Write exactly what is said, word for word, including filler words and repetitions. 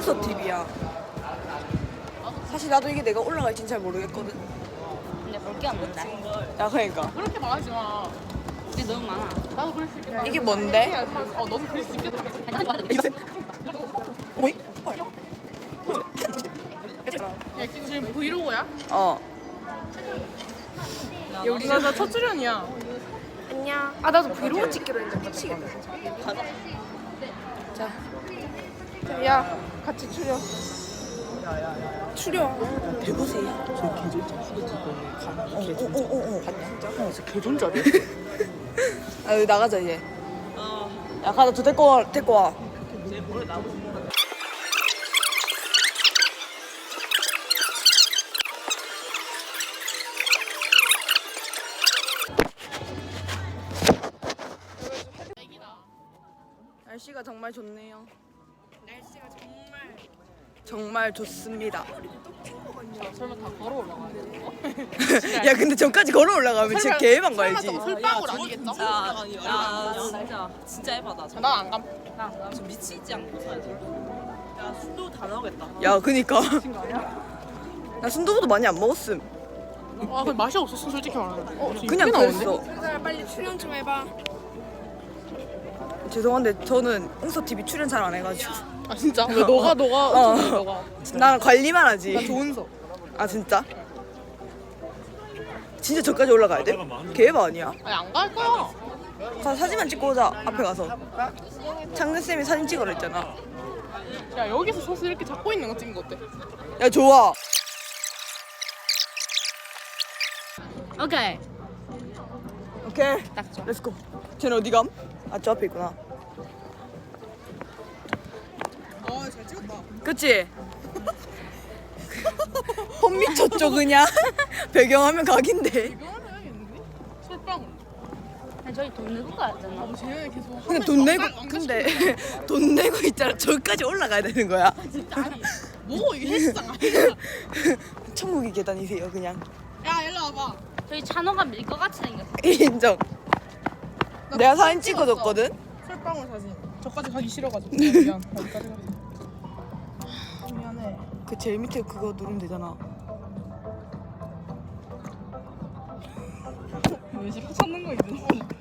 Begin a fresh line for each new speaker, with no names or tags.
웅서 티비야. 사실 나도 이게 내가 올라갈진 잘 모르겠거든.
근데 볼 게 없는데.
야 그러니까
그렇게 말하지 마.
근데 너무 많아.
나도 그럴 수 있겠다.
이게 뭔데?
어, 너도 그럴 수 있겠다.
어이?
야, 지금 브이로그야?
어.
야, 우리가 나 첫 출연이야.
안녕. 아 나도 브이로그 찍기로 했는데 미치겠다.
자
야 같이 출연. 출연.
대보세요.
저 개존자 후배들 거에 가는 개존자
어어어어.
진짜? 어, 진짜 개존자네.
아 여기 나가자 이제. 야 가자 저 데리고 와 데리고 와. 날씨가 정말 좋네요.
날씨가 정말.
정말 좋습니다.
설마 다 걸어 올라가야 돼?
야 근데 저까지 걸어 올라가면 진짜 개만 가야지.
설마 솔방울 아니겠죠?
야, 야, 진짜 진짜 해봐다.
난안 감.
나 지금 미치지 않고 살지. 야, 술도 다 나오겠다.
야 그니까. 나 순두부도 많이 안 먹었음.
아, 근데 맛이 없었어, 솔직히 말하면. 어, 지금
그냥
꽤 나오는데?
그랬어.
얘들아 빨리 출연 좀 해봐.
죄송한데 저는 웅서 티비 출연 잘 안 해가지고.
아, 진짜? 왜 너가, 너가,
어.
어쩌니, 너가.
나 관리만 하지.
나 좋은서.
아 진짜? 진짜 저까지 올라가야 돼? 개바 아니야?
아니, 안 갈 거야.
가서 사진만 찍고 오자. 앞에 가서. 창근 쌤이 사진 찍으라 했잖아.
야, 여기서 서서 이렇게 잡고 있는 거 찍은 거 어때?
야 좋아.
오케이.
오케이.
딱 좋아.
렛츠고. 쟤는 어디 감? 아 저 앞에 있구나.
어, 잘 찍었다.
그치? 홈 미쳤죠 그냥? 배경화면 각인데.
이거 하나 해야겠는데? 솔방울.
아니, 저희 돈 내고 가야잖아.
아, 쟤는 계속.
근데 돈 내고 근데 돈 내고 있잖아. 저기까지 올라가야 되는 거야.
아니, 뭐, 이게 헬스장 아니야?
천국의 계단이세요 그냥.
야, 일로 와봐.
저희 찬호가 밀 것 같이 생겼어.
인정.
나
내가 사진
찍었어.
찍어줬거든.
솔방울 사진. 저까지 가기 싫어가지고. 미안. 여기까지 가. 미안해.
그 제일 밑에 그거 누르면 되잖아.
왜 싫어? 찾는 거 있는데.